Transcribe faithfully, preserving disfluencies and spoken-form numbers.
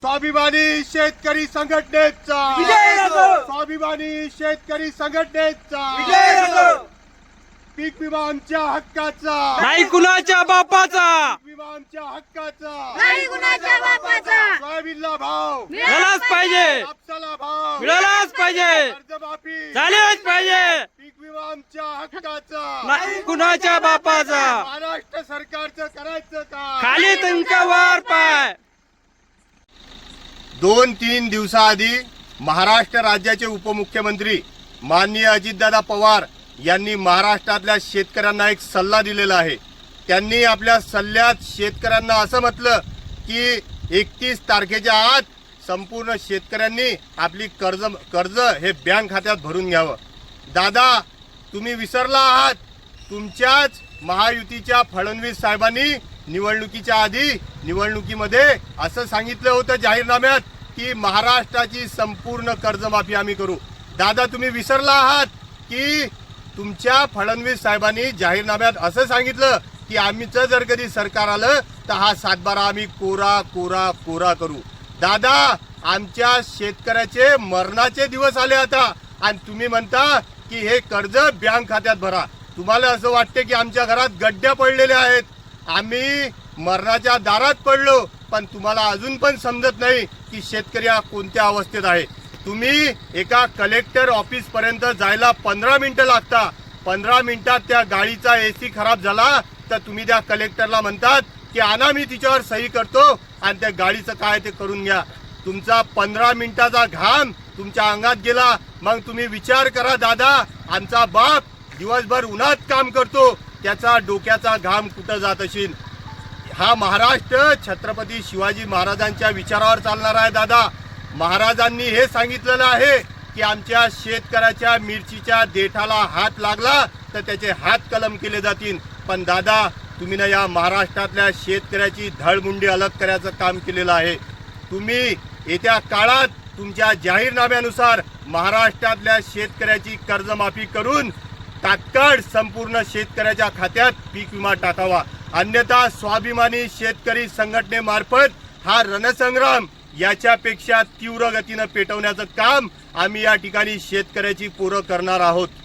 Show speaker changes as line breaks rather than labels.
स्वाभिमानी शेतकरी संघटनेचा
विजय असो.
स्वाभिमानी शेतकरी संघटनेचा
विजय असो.
पीक विमा आमच्या हक्काचा
नाही कुणाच्या बापाचा,
पीक विमा आमच्या हक्काचा
नाही कुणाच्या बापाचा.
सोयाबीनला भाव
मिळालाच पाहिजे,
कापसाला भाव
मिळालाच पाहिजे,
कर्जमाफी
झालेच पाहिजे.
पीक विमा आमच्या हक्काचा
नाही कुणाच्या बापाचा.
महाराष्ट्र सरकारचं करायचं का
खाली तुमका वर पाय.
दोन तीन दिवसाआधी महाराष्ट्र राज्याचे उपमुख्यमंत्री माननीय अजितदादा पवार यांनी महाराष्ट्रातल्या शेतकऱ्यांना एक सल्ला दिलेला आहे. त्यांनी आपल्या सल्ल्यात शेतकऱ्यांना असं म्हटलं की एकतीस तारखेच्या आत संपूर्ण शेतकऱ्यांनी आपली कर्ज कर्ज हे बँक खात्यात भरून घ्यावं. दादा, तुम्ही विसरला आहात, तुमच्याच महायुतीच्या फडणवीस साहेबांनी निवडणुकीच्या आधी निवडणुकीमध्ये असं सांगितलं होतं जाहीरनाम्यात की महाराष्ट्राची संपूर्ण कर्जमाफी आम्ही करू. दादा, तुम्ही विसरला आहात की तुमच्या फडणवीस साहेबांनी जाहीरनाम्यात असं सांगितलं की आम्हीचं जर कधी सरकार आलं तर हा सातबारा आम्ही कोरा कोरा कोरा करू. दादा, आमच्या शेतकऱ्याचे मरणाचे दिवस आले आता आणि तुम्ही म्हणता की हे कर्ज बँक खात्यात भरा. तुम्हाला असं वाटते की आमच्या घरात गड्ड्या पडलेल्या आहेत, आम्ही मरणाच्या दारात पडलो, पण तुम्हाला अजून पण समजत नाही की शेतकरी हा कोणत्या अवस्थेत आहे. तुम्ही एका कलेक्टर ऑफिस पर्यंत जायला पंधरा मिनिटं लागता. पंधरा मिनिटात त्या गाडीचा एसी खराब झाला तर तुम्ही त्या कलेक्टरला म्हणतात की आणा, मी तिच्यावर सही करतो आणि त्या गाडीचं काय ते करून घ्या. तुमचा पंधरा मिनिटाचा घाम तुमच्या अंगात गेला. मग तुम्ही विचार करा दादा, आमचा बाप दिवसभर उन्हात काम करतो, त्याचा डोक्याचा घाम कुठं जात असेल. हा महाराष्ट्र छत्रपती शिवाजी महाराजांच्या विचारावर चालणार आहे. दादा, महाराजांनी हे सांगितलेलं आहे की आमच्या शेतकऱ्याच्या मिरचीच्या देठाला हात लागला तर त्याचे हात कलम केले जातील. पण दादा, तुम्ही ना या महाराष्ट्रातल्या शेतकऱ्याची धळमुंडी अलग करायचं काम केलेलं आहे. तुम्ही येत्या काळात तुमच्या जाहीरनाम्यानुसार महाराष्ट्रातल्या शेतकऱ्याची कर्जमाफी करून तात्काळ संपूर्ण शेतकऱ्याच्या खात्यात पीक विमा टाकावा. अन्यथा स्वाभिमानी शेतकरी संघटनेमार्फत हा रणसंग्राम याच्यापेक्षा तीव्र गतीनं पेटवण्याचं काम आम्ही या ठिकाणी शेतकऱ्याची पोरं करणार आहोत.